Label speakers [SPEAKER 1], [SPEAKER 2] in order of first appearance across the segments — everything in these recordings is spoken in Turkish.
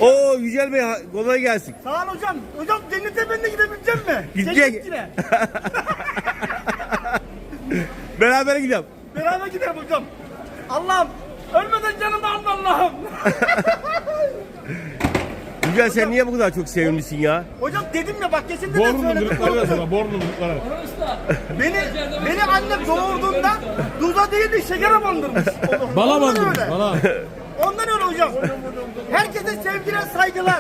[SPEAKER 1] Oo Yücel Bey kolay gelsin.
[SPEAKER 2] Sağ ol hocam. Hocam cennete ben de gidebileceğim mi?
[SPEAKER 1] Gidecek.
[SPEAKER 2] Cennetine.
[SPEAKER 1] Beraber gidelim.
[SPEAKER 2] Beraber gidelim hocam. Allah'ım ölmeden canımı alma Allah'ım.
[SPEAKER 1] Yücel sen niye bu kadar çok sevimlisin ya?
[SPEAKER 2] Hocam dedim ya bak kesin de söyledim.
[SPEAKER 3] Bornumluklara.
[SPEAKER 2] Beni annem doğurduğunda duza değil de şekere bandırmış.
[SPEAKER 3] Bala
[SPEAKER 2] Ondan
[SPEAKER 3] bandırmış,
[SPEAKER 2] öyle.
[SPEAKER 3] bala.
[SPEAKER 2] Ondan öyle hocam. Herkese sevgiler, saygılar.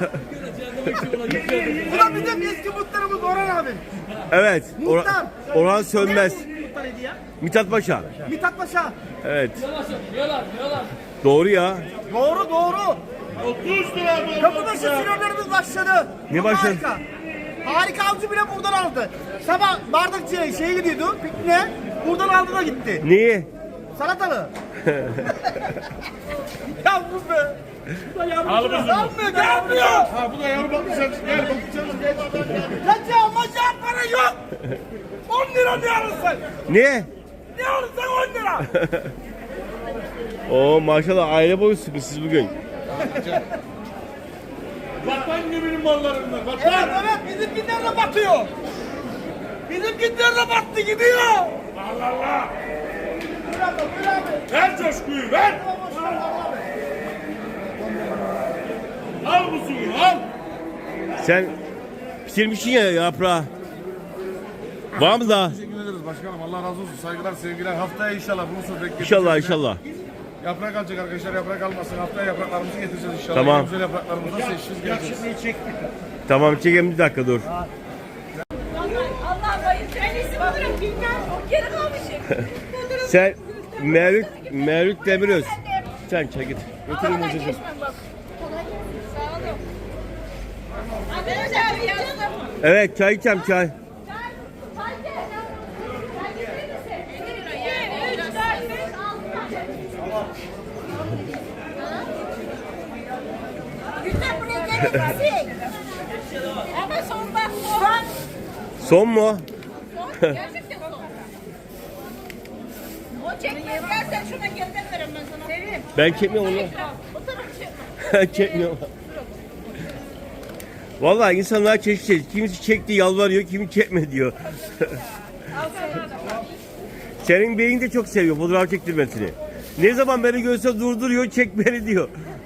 [SPEAKER 2] Bu da bizim eski muhtarımız Orhan abi.
[SPEAKER 1] Evet.
[SPEAKER 2] Muhtar.
[SPEAKER 1] Orhan Sönmez.
[SPEAKER 2] Nerede muhtarıydı ya?
[SPEAKER 1] Mithat Paşa.
[SPEAKER 2] Mithat Paşa.
[SPEAKER 1] Evet. Doğru ya.
[SPEAKER 2] Doğru doğru.
[SPEAKER 3] 30 lira bu.
[SPEAKER 2] Kapıbaşı sinirlerimiz başladı.
[SPEAKER 1] Ne
[SPEAKER 2] Çok
[SPEAKER 1] başladı?
[SPEAKER 2] Harika. Harika avcı bile buradan aldı. Sabah bardakçıya şeye gidiyordu, pikniğe. Buradan aldı da gitti.
[SPEAKER 1] Niye?
[SPEAKER 2] Salatalı. Yavrum be.
[SPEAKER 3] Al bunu.
[SPEAKER 2] Almıyor, gelmiyor.
[SPEAKER 3] Ha bu da yavru bakmışsınız. Gel bakmışsınız. Gel.
[SPEAKER 2] Kaça maça para yok. 10 lira ne alırsın?
[SPEAKER 1] Niye?
[SPEAKER 2] Ne alırsın 10 lira?
[SPEAKER 1] Oo maşallah aile boyu sıkısız bugün.
[SPEAKER 3] Vatan geminin mallarından.
[SPEAKER 2] Evet
[SPEAKER 3] Vatan.
[SPEAKER 2] evet bizimkiler de batıyor. Bizimkiler de battı gidiyor.
[SPEAKER 3] Allah Allah.
[SPEAKER 2] Buyur abi, buyur abi.
[SPEAKER 3] Ver coşkuyu ver. Al bu suyu al.
[SPEAKER 1] Sen pişirmişsin ya yaprağı. Var mı daha?
[SPEAKER 4] Teşekkür ederiz başkanım. Allah razı olsun. Saygılar, sevgiler. Haftaya inşallah Bursa bekleyeceğiz.
[SPEAKER 1] İnşallah inşallah.
[SPEAKER 4] Yaprak alacak arkadaşlar. Yaprak almasın. Haftaya yapraklarımızı getireceğiz inşallah.
[SPEAKER 1] Tamam.
[SPEAKER 4] En güzel yapraklarımızdan seçeceğiz, geleceğiz.
[SPEAKER 1] Tamam çekelim bir dakika dur.
[SPEAKER 5] Allah bayır kendisi bulurum bilmem. Geri kalmışım.
[SPEAKER 1] Sen Mevlüt Demiröz. Sen çek git. Götürün hocacığım.
[SPEAKER 5] Sağ olun. Arkadaşlar bir yazdım.
[SPEAKER 1] Evet çay içeceğim çay.
[SPEAKER 5] Güzel buraya gelin. Ama son bak son.
[SPEAKER 1] Son mu?
[SPEAKER 5] Son. Gerçekten son. O çekmez. Gel sen şuna geriden veririm ben sana. Sevim.
[SPEAKER 1] Ben çekmiyorum onu.
[SPEAKER 5] O tarafı çek.
[SPEAKER 1] Çekmiyorum. Vallahi insanlar çeşit çeşit. Kimisi çekti yalvarıyor, kimi çekme diyor. Senin beyin de çok seviyor fotoğraf çektirmesini. Ne zaman beni görse durduruyor, çek beni diyor.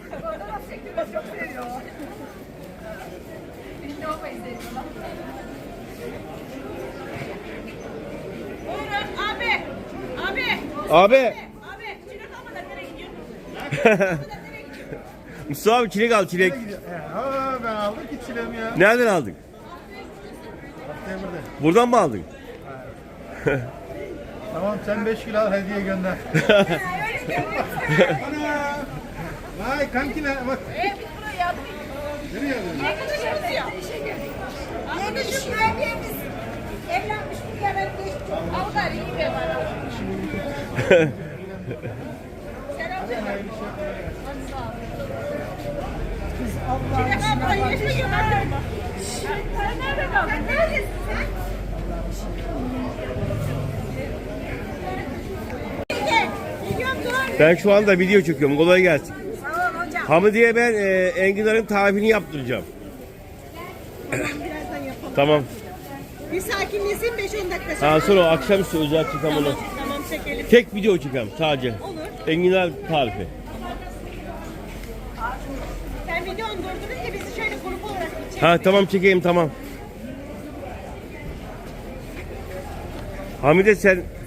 [SPEAKER 5] Buyurun abi. Abi.
[SPEAKER 1] Abi.
[SPEAKER 5] Abi. Çilek almadan nereye gidiyorsun?
[SPEAKER 1] Mustafa abi çilek al çilek.
[SPEAKER 4] Ha ben aldım ki çilemi ya.
[SPEAKER 1] Nereden aldın?
[SPEAKER 4] Demirde.
[SPEAKER 1] Buradan mı aldın?
[SPEAKER 4] Tamam sen 5 kilo al hediye gönder. Ana. Vay kankiler bak.
[SPEAKER 5] Biz buraya yardım
[SPEAKER 4] Nereye geldin?
[SPEAKER 5] Arkadaşımız ya. Yeni şu mühendimiz evlenmiş bir kere geçti. Avgar iyi be bana. Selam söyle. Hadi sağ ol. Çilek abla yeşil gönderdin mi? Sen nerede kaldın? Sen neredesin sen? Gidiyorum dur.
[SPEAKER 1] Ben şu anda video çekiyorum. Kolay gelsin.
[SPEAKER 5] Sağ ol hocam.
[SPEAKER 1] Hamidiye ben enginarın tarifini yaptıracağım.
[SPEAKER 5] Birazdan yapalım.
[SPEAKER 1] Tamam.
[SPEAKER 5] Bir sakinleşin 5-10 dakika sonra.
[SPEAKER 1] Ha sonra o akşamüstü özel çekeceğim onu.
[SPEAKER 5] Tamam çekelim.
[SPEAKER 1] Tek video çekeceğim sadece.
[SPEAKER 5] Olur.
[SPEAKER 1] Enginar tarifi.
[SPEAKER 5] Sen videonu durdurunca bizi şöyle grup olarak bir çek.
[SPEAKER 1] Ha tamam çekeyim tamam. Hamide sen